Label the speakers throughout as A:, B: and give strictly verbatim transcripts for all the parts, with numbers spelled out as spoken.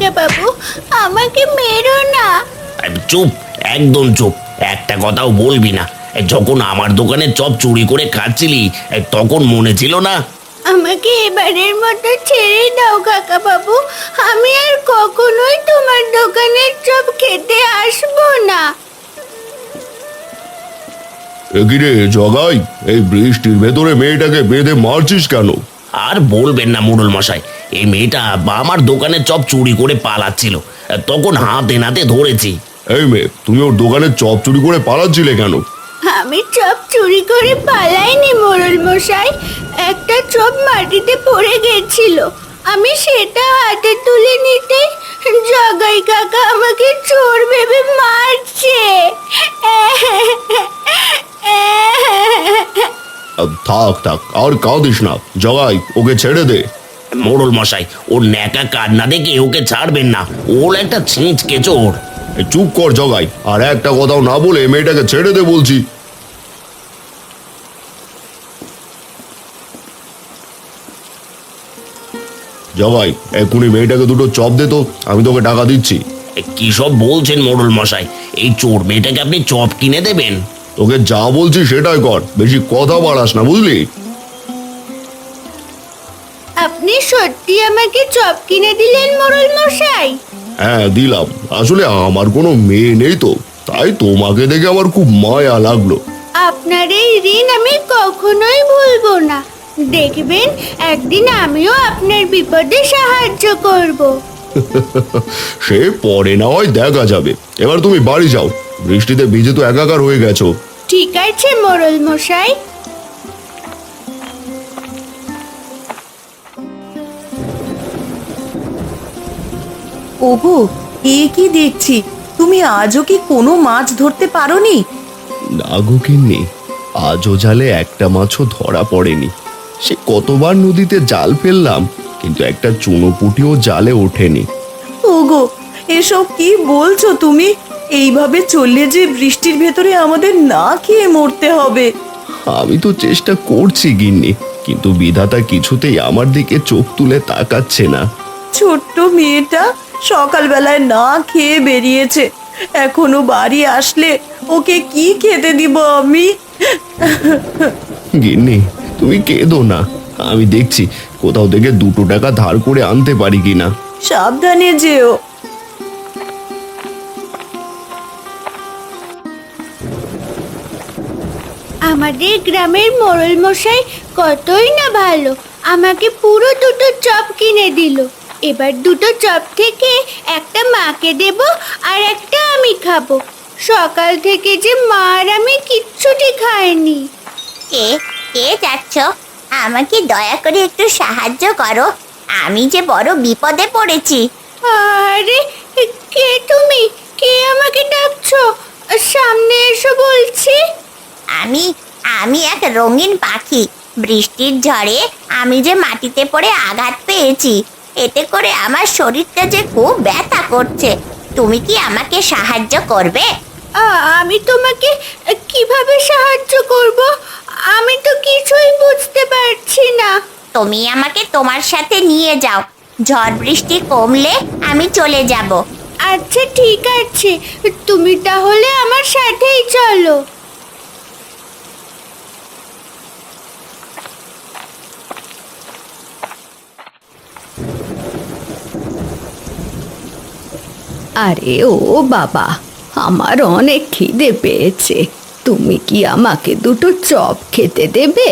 A: কাকা বাবু, আমাকে মেরো না।
B: চুপ, একদম চুপ, একটা কথাও বলবি না। যখন আমার দোকানে চপ চুরি করে খাচ্ছিলি তখন মনে ছিল না?
A: আমাকে এবারের মতো ছেড়ে দাও কাকা বাবু, আমি আর কখনোই তোমার দোকানের চপ খেতে আসবো না।
C: এগিরে জগাই, এই বৃষ্টির ভেতরে মেয়েটাকে বেঁধে মারছিস কেন?
B: আর বলবেন না মোড়ল মশাই, এই মেয়েটা আমার দোকানে চপ চুরি করে পালাচ্ছিল, তখন হাতে নাতে ধরেছি।
C: এই মেয়ে, তুমি ওর দোকানে চপ চুরি করে পালাচ্ছিলে কেন?
A: আমি চপ চুরি করে পালাইনি মোড়ল মশাই, একটা চপ মাটিতে পড়ে গেছিল, আমি সেটা হাতে তুলে নিতে জগাই কাকা আমাকে চোর ভেবে মারছে।
C: আহ, থাক থাক, আর কাঁদিস না জগাই, ওকে ছেড়ে দে।
B: মোড়ল মশাই, ওর ন্যাকা কান্না দেখে ওকে ছাড়বেন না, ওর একটা ছিঁচকে চোর।
C: এই চুপ কর জগাই, আর একটা কথাও না বলে মেয়েটাকে ছেড়ে দে বলছি। জগাই, এক্ষুনি মেয়েটাকে দুটো চপ দে তো, আমি তোকে টাকা দিচ্ছি।
B: কি সব বলছেন মোড়ল মশাই, এই চোর মেয়েটাকে আপনি চপ কিনে দেবেন?
C: তোকে যা বলছি সেটাই কর, বেশি কথা বাড়াস না, বুঝলি?
A: আপনি সত্যি আমাকে চপ কিনে দিলেন মোড়ল মশাই?
C: হ্যাঁ দিলাম, আসলে আমার কোনো মেয়ে নেই তো, তাই তোমাকে দেখে আমার খুব মায়া লাগলো।
A: আপনার এই ঋণ আমি কখনোই ভুলবো না, দেখবেন একদিন আমিও আপনার বিপদে সাহায্য করব।
C: সে পরে না হয় দেখা যাবে, এবার তুমি বাড়ি যাও, বৃষ্টিতে ভিজে তো একাকার হয়ে গেছো।
A: ঠিক আছে মোড়ল মশাই।
D: ওগো, এ কি দেখছি, তুমি আজও কি কোনো মাছ ধরতে পারোনি?
C: না গো গিন্নি, আজও জালে একটা মাছও ধরা পড়েনি। সে কতবার নদীতে জাল ফেললাম, কিন্তু একটা চুনোপুটিও জালে ওঠেনি।
D: ওগো, এসব কি বলছো তুমি? এইভাবে চললে যে বৃষ্টির ভেতরে আমাদের না খেয়ে মরতে হবে।
C: আমি তো চেষ্টা করছি গিন্নি, কিন্তু বিধাতা কিছুতেই আমার দিকে চোখ তুলে তাকাচ্ছে না।
D: ছোট্ট মেয়েটা সকালবেলায় না খেয়ে বেরিয়েছে, এখনো বাড়ি আসলে ওকে কি খেতে দিব আমি?
C: গিন্নি, তুমি কেঁদো না, আমি দেখছি কোথাও থেকে দুটো টাকা ধার করে আনতে পারি কিনা।
D: সাবধানে যেও।
A: আমাদের গ্রামের মোড়ল মশাই কতই না ভালো, আমাকে পুরো দুটো চপ কিনে দিল। এবার দুটো চপ থেকে একটা মাকে দেব আর একটা আমি খাবো। সকাল থেকে যে মা আর আমি কিচ্ছুটি খাইনি।
E: কে কে যাচ্ছ? আমাকে দয়া করে একটু সাহায্য করো, আমি যে বড় বিপদে পড়েছি।
A: আরে কে তুমি? কে আমাকে ডাকছো? সামনে এসো বলছি।
E: আমি আমি এক রঙিন পাখি, বৃষ্টির ঝড়ে আমি যে মাটিতে পড়ে আঘাত পেয়েছি, এতে করে আমার শরীরটা যে খুব ব্যথা করছে। তুমি কি আমাকে সাহায্য করবে?
A: আ- আমি তোমাকে কিভাবে সাহায্য করব? আমি তো কিছুই বুঝতে পারছি না।
E: তুমি আমাকে তোমার সাথে নিয়ে যাও, ঝড় বৃষ্টি কমলে আমি চলে যাব।
A: আচ্ছা ঠিক আছে, তুমি তাহলে আমার সাথেই চলো।
F: আরে ও বাবা, আমার অনেক খিদে পেয়েছে, তুমি কি আমাকে দুটো চপ খেতে দেবে?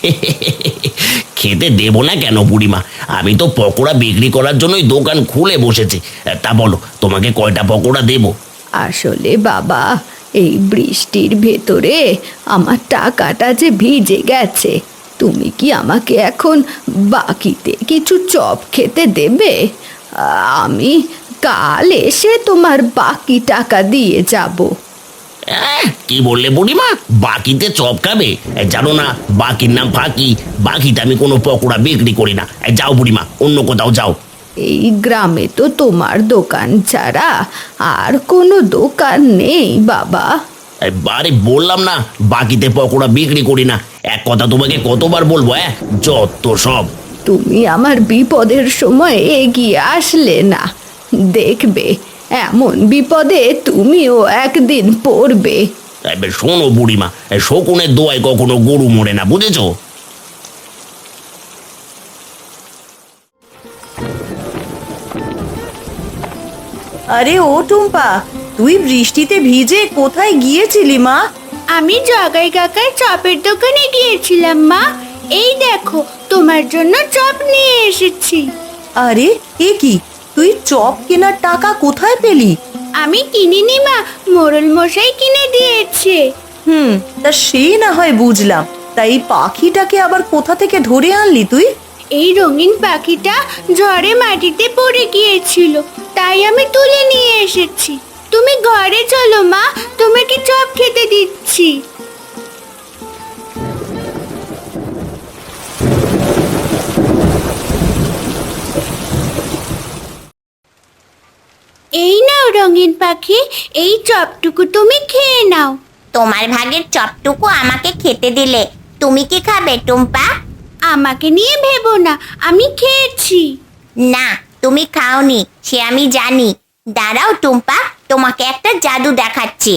B: খেতে দেবো না কেন বুড়িমা, আমি তো পকোড়া বিক্রি করার জন্যই দোকান খুলে বসেছি। তা বলো, তোমাকে কয়টা পকোড়া দেবো?
F: আসলে বাবা, এই বৃষ্টির ভেতরে আমার টাকাটা যে ভিজে গেছে, তুমি কি আমাকে এখন বাকিতে কিছু চপ খেতে দেবে? আমি কাল এসে তোমার বাকি টাকা দিয়ে যাব।
B: আহ, কি বললে বুড়িমা, বাকিতে চপ খাবে? এ, জানো না বাকির নাম ফাঁকি, বাকিতে আমি কোনো পকোড়া বিক্রি করি না। এ, যাও বুড়িমা, অন্য কোথাও যাও।
F: এই গ্রামে তো তোমার দোকান ছাড়া আর কোনো দোকান নেই বাবা।
B: বারে বললাম না বাকিতে পকোড়া বিক্রি করি না, এক কথা তোমাকে কতবার বলবো? হ্যাঁ, যত সব।
F: তুমি আমার বিপদের সময় এগিয়ে আসলে না, দেখবে এমন বিপদে তুমিও একদিন পড়বে।
B: এবার শোনো বুড়িমা, এ শকুনের দোয়ায় কখনো গরু মরে না, বুঝেছো?
D: আরে ও টুম্পা, তুই বৃষ্টিতে ভিজে কোথায় গিয়েছিলি মা?
A: আমি জগাই কাকার চপের দোকানে গিয়েছিলাম মা। এই দেখো তোমার জন্য চপ নিয়ে এসেছি।
D: আরে এ কি, তুই চপ কেনার টাকা কোথায় পেলি?
A: আমি কিনিনি মা, মোড়ল মশাই কিনে দিয়েছে।
D: হুম, তা সে না হয় বুঝলাম, তাই পাখিটাকে আবার কোথা থেকে ধরে আনলি তুই?
A: এই রঙিন পাখিটা ঝড়ে মাটিতে পড়ে গিয়েছিল, তাই আমি তুলে নিয়ে এসেছি। তুমি ঘরে চলো মা, তোমাকে চপ খেতে দিচ্ছি। এই নাও রঙিন পাখি, এই চপটুকু তুমি খেয়ে নাও।
E: তোমার ভাগের চপটুকু আমাকে খেতে দিলে, তুমি কি খাবে টুম্পা?
A: আমাকে নিয়ে ভেবো না, আমি খেয়েছি।
E: না, তুমি খাওনি, সে আমি জানি। দাঁড়াও টুম্পা, তোমাকে একটা জাদু দেখাচ্ছি।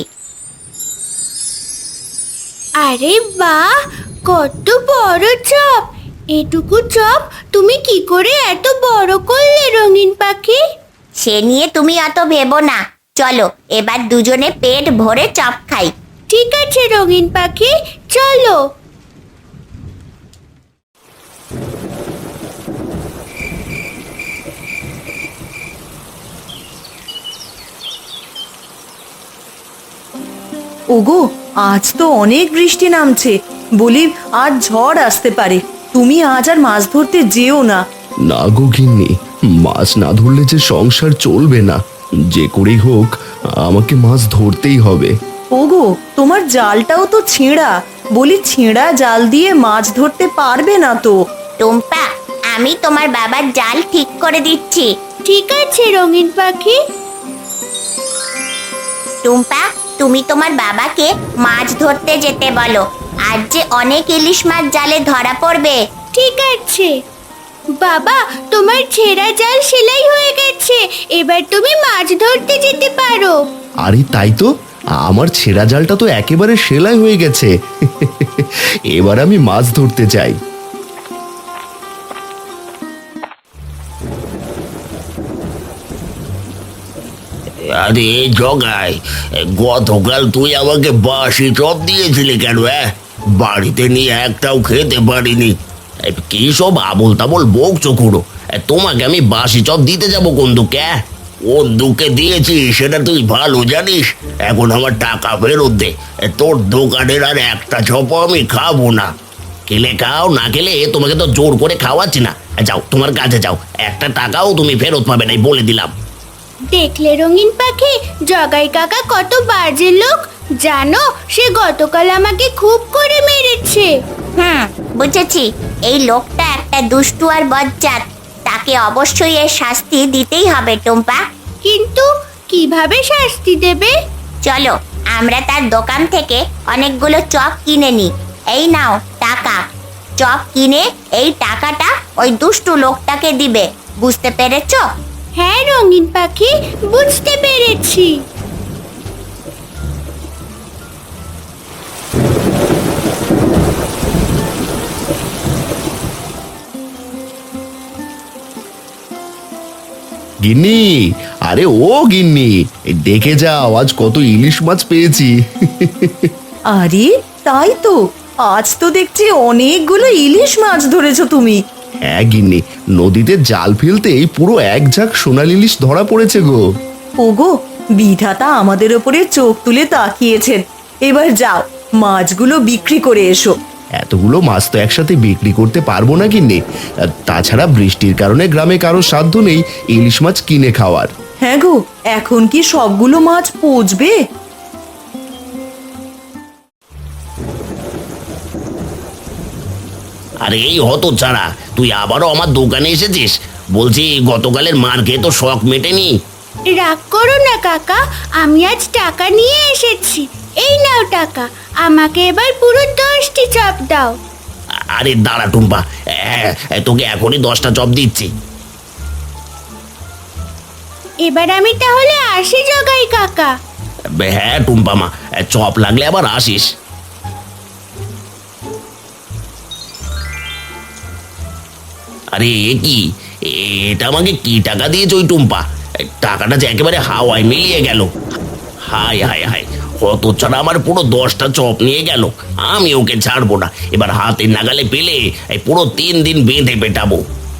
A: আরে বাহ, কত বড় চপ! এটুকু চপ তুমি কি করে এত বড় করলে রঙিন পাখি?
E: সে নিয়ে তুমি অত ভেবো না, চলো এবার দুজনে পেট ভরে চপ খাই।
A: ঠিক আছে রঙিন পাখি, চলো।
D: ওগো, আজ তো অনেক বৃষ্টি নামছে, বলি আজ ঝড় আসতে পারে। তুমি আজ আর মাছ ধরতে যেও না।
C: না গো গিন্নি, মাছ না ধরলে যে সংসার চলবে না। যে করেই হোক আমাকে মাছ ধরতেই হবে।
D: ওগো, তোমার জালটাও তো ছেঁড়া, বলি ছেঁড়া জাল দিয়ে মাছ ধরতে পারবে না তো?
E: টুম্পা, আমি তোমার বাবার জাল ঠিক করে দিচ্ছি।
A: ঠিক আছে রঙিন পাখি।
E: টুম্পা, তুমি তোমার বাবাকে মাছ ধরতে যেতে বলো। আজ যে অনেক ইলিশ মাছ জালে ধরা পড়বে।
A: ঠিক আছে বাবা, তোমার ছেঁড়া জাল সেলাই হয়ে গেছে, এবার তুমি মাছ ধরতে যেতে পারো।
C: আরে তাই তো, আমার ছেঁড়া জালটা তো একেবারে সেলাই হয়ে গেছে। এবার আমি মাছ ধরতে চাই।
B: আরে জগাই, গতকাল তুই আমাকে বাসি চপ দিয়েছিলি কেন? হ্যাঁ, বাড়িতে নিয়ে একটাও খেতে পারিনি। এ, কি সব আবল তাবল বকছো খুড়ো? এ, তোমাকে আমি বাসি চপ দিতে যাবো কোন দুঃখে? হ্যাঁ? কোন দুঃখে দিয়েছি সেটা তুই ভালো জানিস। এখন আমার টাকা ফেরত দে। এ, তোর দোকানের আর একটা চপও আমি খাবো না। খেলে খাও, না খেলে তোমাকে তো জোর করে খাওয়াচ্ছি না। এ, যাও তোমার কাছে যাও, একটা টাকাও তুমি ফেরত পাবে না, বলে দিলাম।
A: দেখলে রঙিন পাখি, জগাই কাকা কত বাজে লোক জানো? সে গতকাল আমাকে খুব করে মেরেছে।
E: হুম, বুঝেছি। এই লোকটা একটা দুষ্টু আর বজ্জাত, তাকে অবশ্যই এর শাস্তি দিতেই হবে টুম্পা।
A: কিন্তু কিভাবে শাস্তি দেবে?
E: চলো আমরা তার দোকান থেকে অনেকগুলো চপ কিনে নিই। এই নাও টাকা। চপ কিনে এই টাকাটা ওই দুষ্টু লোকটাকে দিবে, বুঝতে পেরেছো?
A: হ্যাঁ রঙিন পাখি, বুঝতে পেরেছি।
C: গিন্নি, আরে ও গিন্নি, এই দেখে যাও আজ কত ইলিশ মাছ পেয়েছি।
D: আরে তাই তো, আজ তো দেখছি অনেকগুলো ইলিশ মাছ ধরেছো তুমি।
C: হ্যাঁ গিন্নি, নদীতে জাল ফেলতেই পুরো এক ঝাঁক সোনালি ইলিশ ধরা পড়েছে গো।
D: ওগো, বিধাতা আমাদের ওপরে চোখ তুলে তাকিয়েছেন। এবার যাও, মাছগুলো বিক্রি করে এসো।
C: এতগুলো মাছ তো একসাথে বিক্রি করতে পারবো না গিন্নি। আর তাছাড়া বৃষ্টির কারণে গ্রামে কারো সাধ্য নেই ইলিশ মাছ কিনে খাওয়ার।
D: হ্যাঁ গো, এখন কি সবগুলো মাছ পচবে?
B: আরে এই হতো ছাড়া, তুই আবারও আমার দোকানে এসেছিস? বলছি গতকালের মার খেয়ে তো শখ মেটেনি।
A: রাগ করো না কাকা, আমি আজ টাকা নিয়ে এসেছি। এই নাও টাকা, আমাকে এবার পুরো দশটি চপ দাও।
B: আরে দাঁড়া টুম্পা, হ্যাঁ তোকে এখনই দশটা চপ দিচ্ছি।
A: এবার আমি তাহলে আসি জগাই কাকা।
B: হ্যাঁ টুম্পা মা, চপ লাগলে আবার আসিস। আরে এ কি, এটা আমাকে কি টাকা দিয়েছে ওই টুম্পা? টাকাটা যে একেবারে হাওয়ায় মিলিয়ে গেল। হায় হায় হায়, কত ছাড়া আমার পুরো দশটা চপ নিয়ে গেল। আমি ওকে ছাড়বো না, এবার হাতের নাগালে পেলে এই পুরো তিন দিন বেঁধে পেটাবো।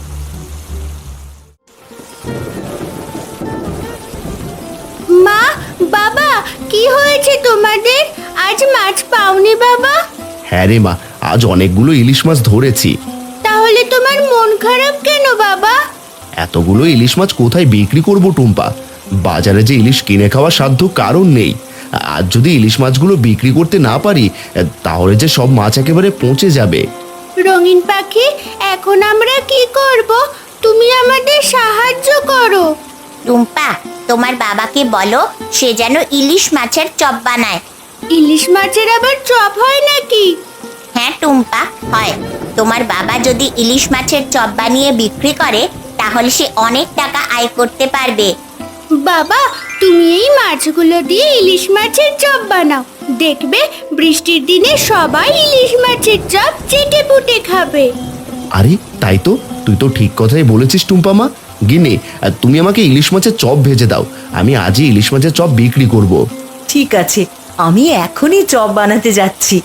A: মা, বাবা, কি হয়েছে তোমাদের? আজ মাছ পাওনি বাবা?
C: হ্যাঁ রে মা, আজ অনেকগুলো ইলিশ মাছ ধরেছি।
A: তাহলে তোমার মন খারাপ কেন বাবা?
C: এতগুলো ইলিশ মাছ কোথায় বিক্রি করব টুম্পা? বাজারে যে ইলিশ কিনে খাওয়ার সাধ্য কারণ নেই। আজ যদি ইলিশ মাছগুলো বিক্রি করতে না পারি, তাহলে যে সব মাছ একেবারে পচে যাবে।
A: রঙিন পাখি, এখন আমরা কি করব? তুমি আমাদের সাহায্য করো।
E: টুম্পা, তোমার বাবাকে বলো সে যেন ইলিশ মাছের চপ বানায়।
A: ইলিশ মাছের আবার চপ হয় নাকি?
E: হ্যাঁ টুম্পা, হয়। তোমার বাবা যদি ইলিশ মাছের চপ বানিয়ে বিক্রি করে তাহলে সে অনেক টাকা আয় করতে পারবে।
A: বাবা, তুমি এই মাছগুলো দিয়ে ইলিশ মাছের চপ বানাও, দেখবে বৃষ্টির দিনে সবাই ইলিশ মাছের চপ চেটে পুটে খাবে।
C: আরে তাই তো, তুই তো ঠিক কথাই বলেছিস টুম্পা মা। গিনে, তুমি আমাকে ইলিশ মাছের চপ ভেজে দাও, আমি আজই ইলিশ মাছের চপ বিক্রি করব।
D: ঠিক আছে, আমি এখনই চপ বানাতে যাচ্ছি।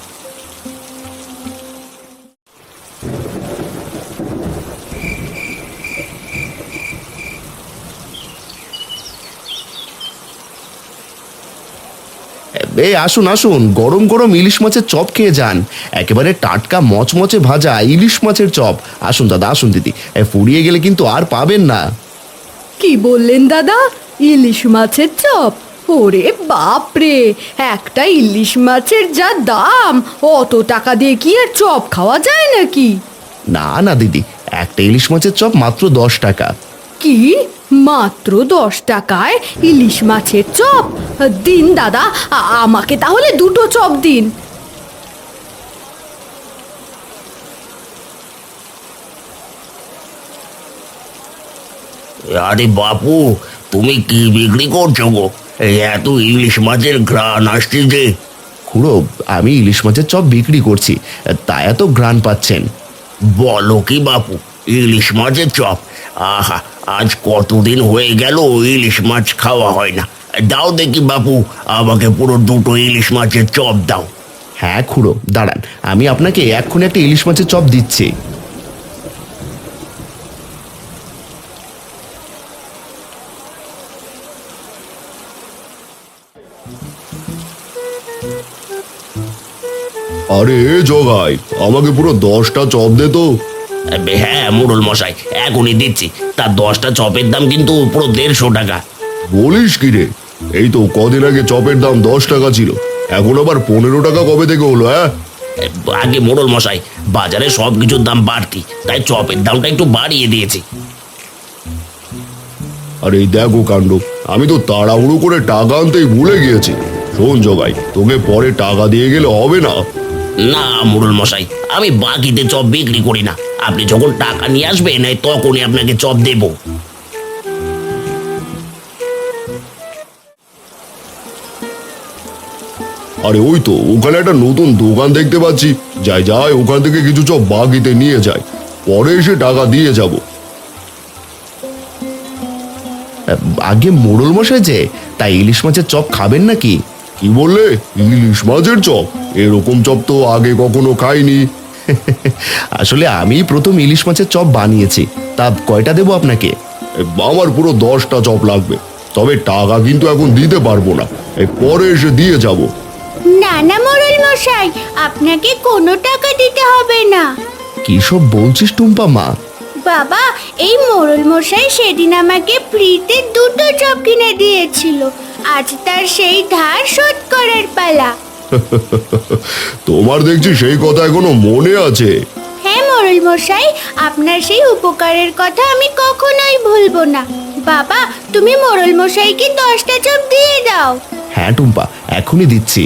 C: এই আসুন আসুন, গরম গরম ইলিশ মাছের চপ খেয়ে যান। একেবারে টাটকা মচমচে ভাজা ইলিশ মাছের চপ। আসুন দাদা, আসুন দিদি, এ, ফুরিয়ে গেলে কিন্তু আর পাবেন না।
F: কি বললেন দাদা? ইলিশ মাছের চপ? ওরে বাপরে, একটা ইলিশ মাছের যা দাম, অত টাকা দিয়ে কি আর চপ খাওয়া যায় নাকি?
C: না না দিদি, একটা ইলিশ মাছের চপ মাত্র দশ টাকা।
F: কি, মাত্র দশ টাকায় ইলিশ মাছের চপ? দিন দাদা, আ- আমাকে তাহলে দুটো চপ দিন।
B: আরে বাপু, তুমি কি বিক্রি করছো গো? এই এত ইলিশ মাছের ঘ্রাণ আসছে যে।
C: খুড়ো, আমি ইলিশ মাছের চপ বিক্রি করছি, তা এত ঘ্রাণ পাচ্ছেন।
B: বলো কি বাপু, ইলিশ মাছের চপ? আহা, আজ কতদিন হয়ে গেল ইলিশ মাছ খাওয়া হয় না। দাও দেখি বাপু, আমাকে পুরো দুটো ইলিশ মাছের চপ দাও।
C: হ্যাঁ খুড়ো, দাঁড়ান, আমি আপনাকে এক্ষুনি একটা ইলিশ মাছের চপ দিচ্ছি। আরে জগাই, আমাকে পুরো দশটা চপ দে তো।
B: হ্যাঁ মোড়ল মশাই, এখনই দিচ্ছি। তার দশটা চপের দাম কিন্তু পুরো দেড়শো টাকা।
C: বলিস কি রে? এই তো কদিন আগে চপের দাম দশ টাকা ছিল, এখন আবার পনেরো টাকা কবে থেকে হলো? হ্যাঁ,
B: আগে মোড়ল মশাই, বাজারে সব কিছুর দাম বাড়তি, তাই চপের দামটা একটু বাড়িয়ে দিয়েছি।
C: আরে এই দেখো কাণ্ড, আমি তো তাড়াহুড়ো করে টাকা আনতেই ভুলে গিয়েছি। শোন জগাই, তোকে পরে টাকা দিয়ে গেলে হবে না।
B: না মোড়ল মশাই, আমি বাকিতে চপ বিক্রি করি না। আপনি যখন টাকা নিয়ে আসবেন তখনই আপনাকে চপ দেব।
C: আরে ওই তো ওখানে একটা নতুন দোকান দেখতে পাচ্ছি, যাই যাই ওখান থেকে কিছু চপ বাকিতে নিয়ে যাই, পরে এসে টাকা দিয়ে যাব। আগে মোড়ল মশাই যে, তাই ইলিশ মাছের চপ খাবেন নাকি? কি বললে? ইলিশ মাছের চপ? এরকম চপ তো আগে কখনো খাইনি। আসলে আমি প্রথম ইলিশ মাছের চপ বানিয়েছি, তা কয়টা দেবো আপনাকে? আমার পুরো দশটা চপ লাগবে, তবে টাকা কিন্তু এখন দিতে পারবো না, এই পরে এসে দিয়ে যাব।
A: না না মোড়ল মশাই, আপনাকে কোনো টাকা দিতে হবে না।
C: কি সব বলছিস টুম্পা মা?
A: বাবা, এই মোড়ল মশাই সেদিন আমাকে ফ্রিতে দুটো চপ কিনে দিয়েছিল, আজ তার সেই ধার শোধ করার পালা।
C: তোমার দেখছি সেই কথা এখনো মনে আছে।
A: হ্যাঁ মোড়ল মশাই, আপনার সেই উপকারের কথা আমি কখনোই ভুলবো না। বাবা, তুমি মোড়ল মশাইকে দশটা চপ দিয়ে দাও।
C: হ্যাঁ টুম্পা, এখনই দিচ্ছি।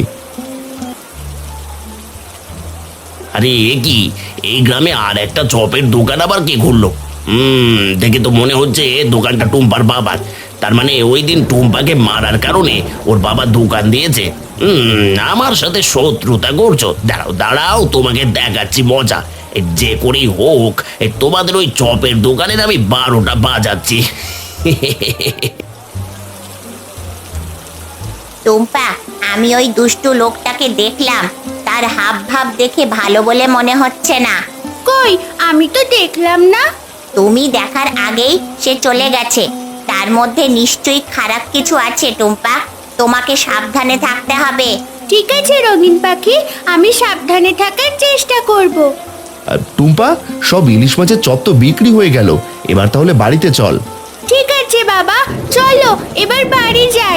B: আরে এ কি, এই গ্রামে আর একটা চপের দোকান আবার কে খুললো? হুম, দেখে তো মনে হচ্ছে দোকানটা টুম্পার বাবার। তার মানে ওই দিন টুম্পাকে মারার কারণে ওর বাবা দোকান দিয়েছে। হুম, আমার সাথে শত্রুতা করছো? দাঁড়াও দাঁড়াও, তোমাকে দেখাচ্ছি মজা। এ যে করেই হোক, এ তোমাদের ওই চপের দোকানের আমি বারোটা বাজাচ্ছি।
E: টুম্পা, আমি ওই দুষ্টু লোকটাকে দেখলাম, তার হাব ভাব দেখে ভালো বলে মনে হচ্ছে না।
A: কই, আমি তো দেখলাম না।
E: তুমি দেখার আগেই সে চলে গেছে, তার মধ্যে নিশ্চয়ই খারাপ কিছু আছে। টুম্পা, তোমাকে সাবধানে থাকতে হবে।
A: ঠিক আছে রঙিন পাখি, আমি সাবধানে থাকার চেষ্টা করব।
C: আর টুম্পা, সব ইলিশ মাছের চপ তো বিক্রি হয়ে গেল, এবার তাহলে বাড়িতে চল।
A: ঠিক আছে বাবা, চলো এবার বাড়ি যাই।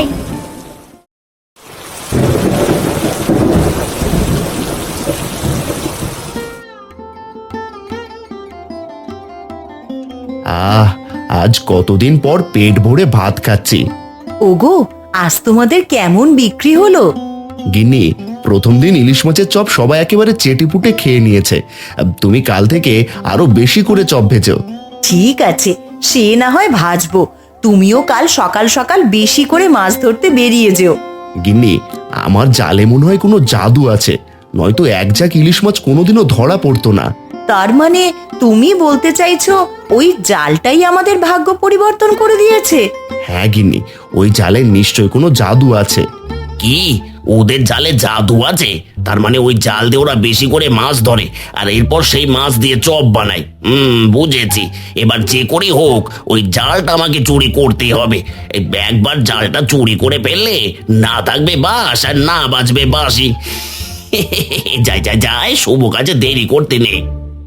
C: আহ, আজ কতদিন পর পেট ভরে ভাত খাচ্ছি।
D: ওগো, আজ তোমাদের কেমন বিক্রি হলো?
C: গিন্নি, প্রথম দিন ইলিশ মাছের চপ সবাই একেবারে চেটেপুটে খেয়ে নিয়েছে। তুমি কাল থেকে আরো বেশি করে চপ ভেজো।
D: ঠিক আছে, সে না হয় ভাজবো। তুমিও কাল সকাল সকাল বেশি করে মাছ ধরতে বেরিয়ে যেও।
C: গিন্নি, আমার জালে মনে হয় কোনো জাদু আছে, নয়তো এক ঝাঁক ইলিশ মাছ কোনোদিনও ধরা পড়তো না।
D: তার মানে তুমি বলতে চাইছো ওই জালটাই আমাদের ভাগ্য পরিবর্তন করে দিয়েছে?
C: হ্যাঁ গিন্নি, ওই জালে নিশ্চয় কোনো জাদু আছে।
B: কি, ওদের জালে জাদু আছে? তার মানে ওই জাল দিয়ে ওরা বেশি করে মাছ ধরে, আর এরপর সেই মাছ দিয়ে চপ বানায়। হুম, বুঝেছি। এবার যে করেই হোক ওই জালটা আমাকে চুরি করতেই হবে। এই একবার জালটা চুরি করে ফেললে না থাকবে বাঁশ আর না বাজবে বাঁশি। যাই যাই যাই, শুভ কাজে দেরি করতে নেই।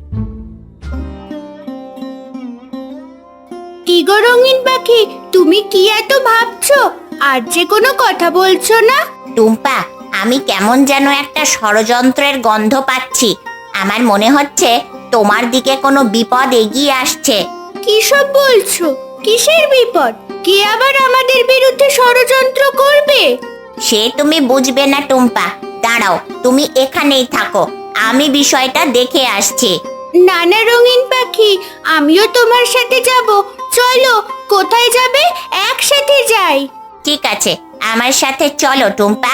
A: কি গো রঙিন পাখি, তুমি কি এত ভাবছো? আর যে কোনো কথা বলছো না?
E: টুম্পা, আমি কেমন যেন একটা ষড়যন্ত্রের গন্ধ পাচ্ছি। আমার মনে হচ্ছে তোমার দিকে কোনো বিপদ এগিয়ে আসছে।
A: কি সব বলছো? কিসের বিপদ? কে আবার আমাদের বিরুদ্ধে ষড়যন্ত্র করবে?
E: সে তুমি বুঝবে না টুম্পা, দাঁড়াও, তুমি এখানেই থাকো, আমি বিষয়টা দেখে আসছি।
A: নানা রঙিন পাখি, আমিও তোমার সাথে যাব। চলো, কোথায় যাবে? একসাথে যাই।
E: ঠিক আছে, আমার সাথে চলো টুম্পা।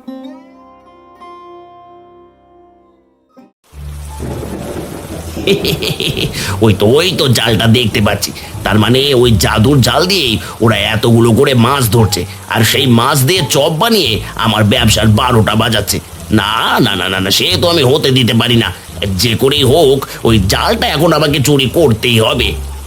B: ওই তো ওই তো জালটা দেখতে পাচ্ছি। তার মানে ওই জাদুর জাল দিয়েই ওরা এতগুলো করে মাছ ধরছে, আর সেই মাছ দিয়ে চপ বানিয়ে আমার ব্যবসার বারোটা বাজাচ্ছে। না না না না না, সে তো আমি হতে দিতে পারি না। যে করেই হোক ওই জালটা এখন আমাকে চুরি করতেই হবে।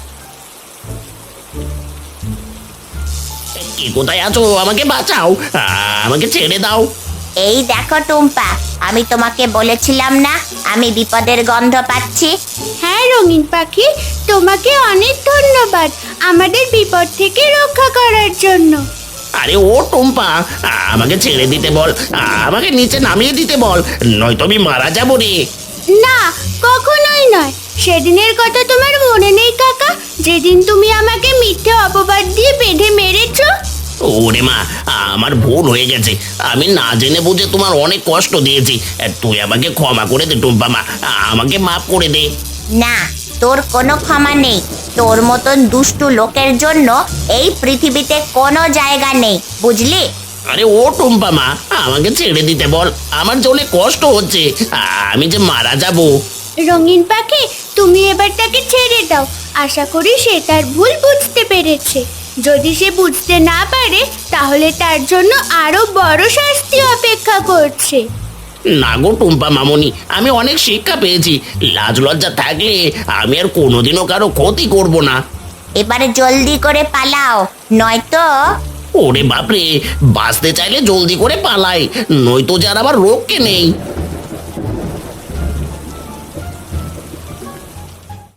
B: কে কোথায় আছো? আমাকে বাঁচাও, আ, আমাকে ছেড়ে দাও।
E: এই দেখো টুম্পা, আমি তোমাকে বলেছিলাম না আমি বিপদের গন্ধ পাচ্ছি।
A: হ্যাঁ রঙিন পাখি, তোমাকে অনেক ধন্যবাদ আমাদের বিপদ থেকে রক্ষা করার জন্য।
B: আরে ও টুম্পা, আমাকে ছেড়ে দিতে বল, আমাকে নিচে নামিয়ে দিতে বল, নয়তো আমি মারা যাবো রে।
A: না, কখনোই নয়। সেদিনের কথা তোমার মনে নেই কাকা, যেদিন তুমি আমাকে মিথ্যে অপবাদ দিয়ে বেঁধে মেরেছো?
B: ওরে মা, আমার ভুল হয়ে গেছে। আমি না জেনে বুঝে তোমার অনেক কষ্ট দিয়েছি। তুই আমাকে ক্ষমা করে দে টুম্পা মা, আমাকে মাফ করে দে।
E: না, তোর কোনো ক্ষমা নেই। তোর মতন দুষ্টু লোকের জন্য এই পৃথিবীতে কোনো জায়গা নেই, বুঝলি?
B: আরে ও টুম্পা মা, আমাকে ছেড়ে দিতে বল, আমার যে অনেক কষ্ট হচ্ছে, আমি যে মারা যাব।
A: রঙিন পাখি, তুমি এবার তাকে ছেড়ে দাও। আশা করি সে তার ভুল বুঝতে পেরেছে। যদি সে বুঝতে না পারে, তাহলে তার জন্য আরো বড় শাস্তি অপেক্ষা করছে।
B: না গো টুম্পা মামনি, আমি অনেক শিক্ষা পেয়েছি। লাজ লজ্জা থাকলে আমি আর কোনোদিনও কারো ক্ষতি করব না।
E: এবারে জলদি করে পালাও, নয়তো
B: ওরে বাপরে, বাঁচতে চাইলে জলদি করে পালাই, নয়তো যার আবার রোগকে নেই।